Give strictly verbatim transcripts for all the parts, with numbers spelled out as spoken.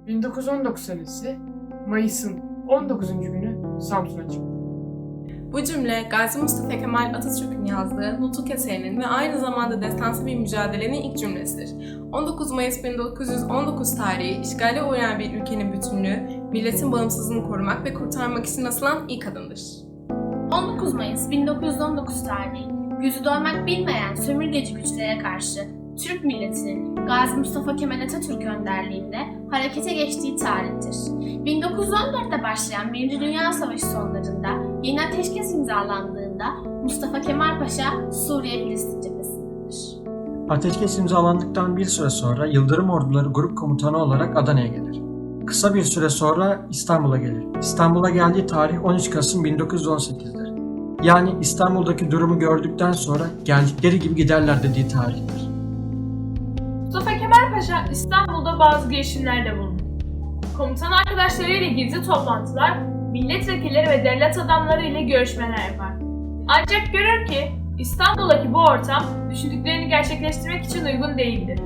bin dokuz yüz on dokuz senesi Mayıs'ın on dokuzuncu günü Samsun'a çıktı. Bu cümle Gazi Mustafa Kemal Atatürk'ün yazdığı Nutuk eserinin ve aynı zamanda destansı bir mücadelenin ilk cümlesidir. on dokuz Mayıs bin dokuz yüz on dokuz tarihi işgale uğrayan bir ülkenin bütünlüğü, milletin bağımsızlığını korumak ve kurtarmak için asılan ilk adımdır. on dokuz Mayıs bin dokuz yüz on dokuz tarihi, yüzü doymak bilmeyen sömürgeci güçlere karşı Türk milletinin Gazi Mustafa Kemal Atatürk önderliğinde harekete geçtiği tarihtir. bin dokuz yüz on dörtte başlayan Birinci Dünya Savaşı sonlarında yeni ateşkes imzalandığında Mustafa Kemal Paşa Suriye Filistin cephesindedir. Ateşkes imzalandıktan bir süre sonra Yıldırım Orduları Grup Komutanı olarak Adana'ya gelir. Kısa bir süre sonra İstanbul'a gelir. İstanbul'a geldiği tarih on üç Kasım bin dokuz yüz on sekiz'dir. Yani İstanbul'daki durumu gördükten sonra geldikleri gibi giderler dediği tarihtir. Mustafa Kemal Paşa İstanbul'da bazı girişimlerde bulundu. Komutan arkadaşlarıyla gizli toplantılar, milletvekilleri ve devlet adamları ile görüşmeler yapar. Ancak görür ki İstanbul'daki bu ortam düşündüklerini gerçekleştirmek için uygun değildir.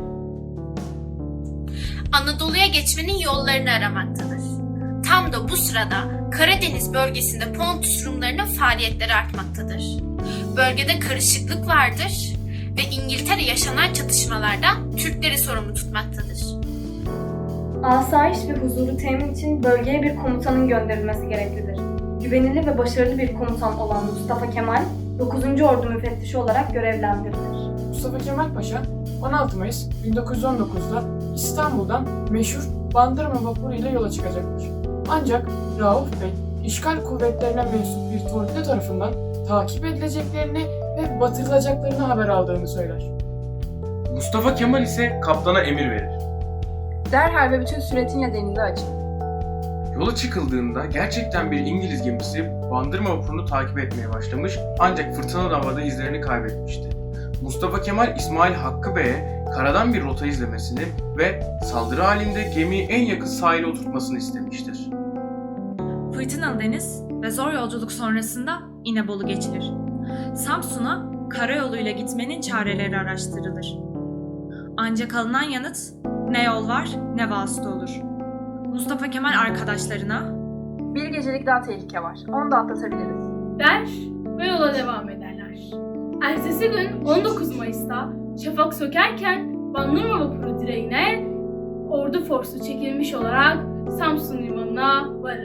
Anadolu'ya geçmenin yollarını aramaktadır. Tam da bu sırada Karadeniz bölgesinde Pontus Rumlarının faaliyetleri artmaktadır. Bölgede karışıklık vardır ve İngiltere yaşanan çatışmalardan Türkleri sorumlu tutmaktadır. Asayiş ve huzuru temin için bölgeye bir komutanın gönderilmesi gereklidir. Güvenilir ve başarılı bir komutan olan Mustafa Kemal, dokuzuncu Ordu müfettişi olarak görevlendirilir. Mustafa Kemal Paşa on altı Mayıs bin dokuz yüz on dokuz'da İstanbul'dan meşhur Bandırma vapuru ile yola çıkacaktır. Ancak Rauf Bey, işgal kuvvetlerine mensup bir torpido tarafından takip edileceklerini ve batırılacaklarını haber aldığını söyler. Mustafa Kemal ise kaptana emir verir. Derhal ve bütün süratinle denize açın. Yola çıkıldığında gerçekten bir İngiliz gemisi Bandırma vapurunu takip etmeye başlamış ancak fırtınalı havada izlerini kaybetmişti. Mustafa Kemal İsmail Hakkı Bey'e karadan bir rota izlemesini ve saldırı halinde gemiyi en yakın sahile oturtmasını istemiştir. Fırtınalı deniz ve zor yolculuk sonrasında İnebolu geçilir. Samsun'a karayoluyla gitmenin çareleri araştırılır. Ancak alınan yanıt ne yol var ne vasıta olur. Mustafa Kemal arkadaşlarına Bir gecelik daha tehlike var. Onu da atlatabiliriz. Der ve yola devam ederler. Ertesi gün on dokuz Mayıs'ta şafak sökerken Bandırma vapuru direğine ordu forsu çekilmiş olarak Samsun limanına varır.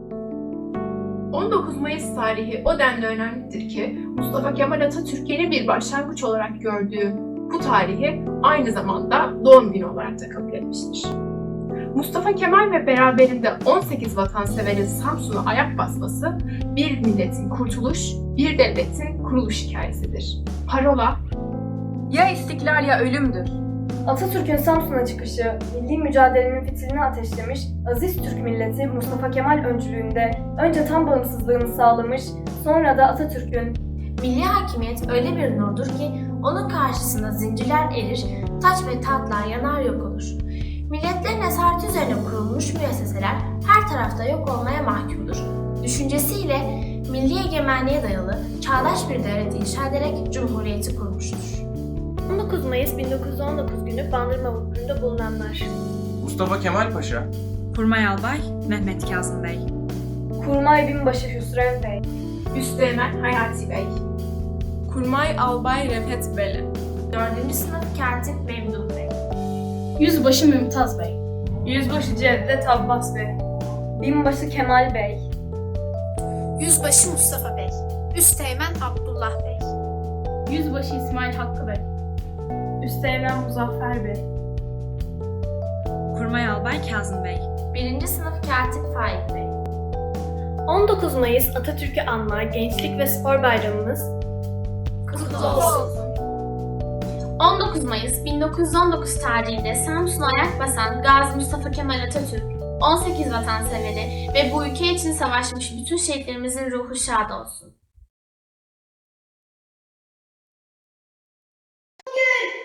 on dokuz Mayıs tarihi o denli önemlidir ki Mustafa Kemal Atatürk yeni bir başlangıç olarak gördüğü bu tarihi aynı zamanda doğum günü olarak da kabul etmiştir. Mustafa Kemal ve beraberinde on sekiz vatanseverin Samsun'a ayak basması bir milletin kurtuluş, bir devletin kuruluş hikayesidir. Parola, Ya istiklal ya ölümdür. Atatürk'ün Samsun'a çıkışı, milli mücadelenin fitilini ateşlemiş, aziz Türk milleti Mustafa Kemal öncülüğünde önce tam bağımsızlığını sağlamış, sonra da Atatürk'ün Milli hakimiyet öyle bir nurdur ki onun karşısında zincirler erir, taç ve tahtlar yanar yok olur. Milletlerin esareti üzerine kurulmuş müesseseler her tarafta yok olmaya mahkumdur. Düşüncesiyle milli egemenliğe dayalı çağdaş bir devlet inşa ederek cumhuriyeti kurmuştur. on dokuz Mayıs bin dokuz yüz on dokuz günü Bandırma vapurunda bulunanlar. Mustafa Kemal Paşa, Kurmay Albay Mehmet Kazım Bey, Kurmay Binbaşı Hüsrev Bey, Üsteğmen Hayati Bey, Kurmay Albay Refet Beli. dördüncü sınıf Katip Memduh Bey, Yüzbaşı Mümtaz Bey, Yüzbaşı Cevdet Abbas Bey, Binbaşı Kemal Bey, Yüzbaşı Mustafa Bey, Üsteğmen Abdullah Bey, Yüzbaşı İsmail Hakkı Bey, Üsteğmen Muzaffer Bey, Kurmay Albay Kazım Bey, birinci sınıf Katip Faik Bey. on dokuz Mayıs Atatürk'ü anma Gençlik ve Spor Bayramımız Kutlu olsun. on dokuz Mayıs bin dokuz yüz on dokuz tarihinde Samsun'a ayak basan Gazi Mustafa Kemal Atatürk, on sekiz vatanseveri ve bu ülke için savaşmış bütün şehitlerimizin ruhu şad olsun. Bugün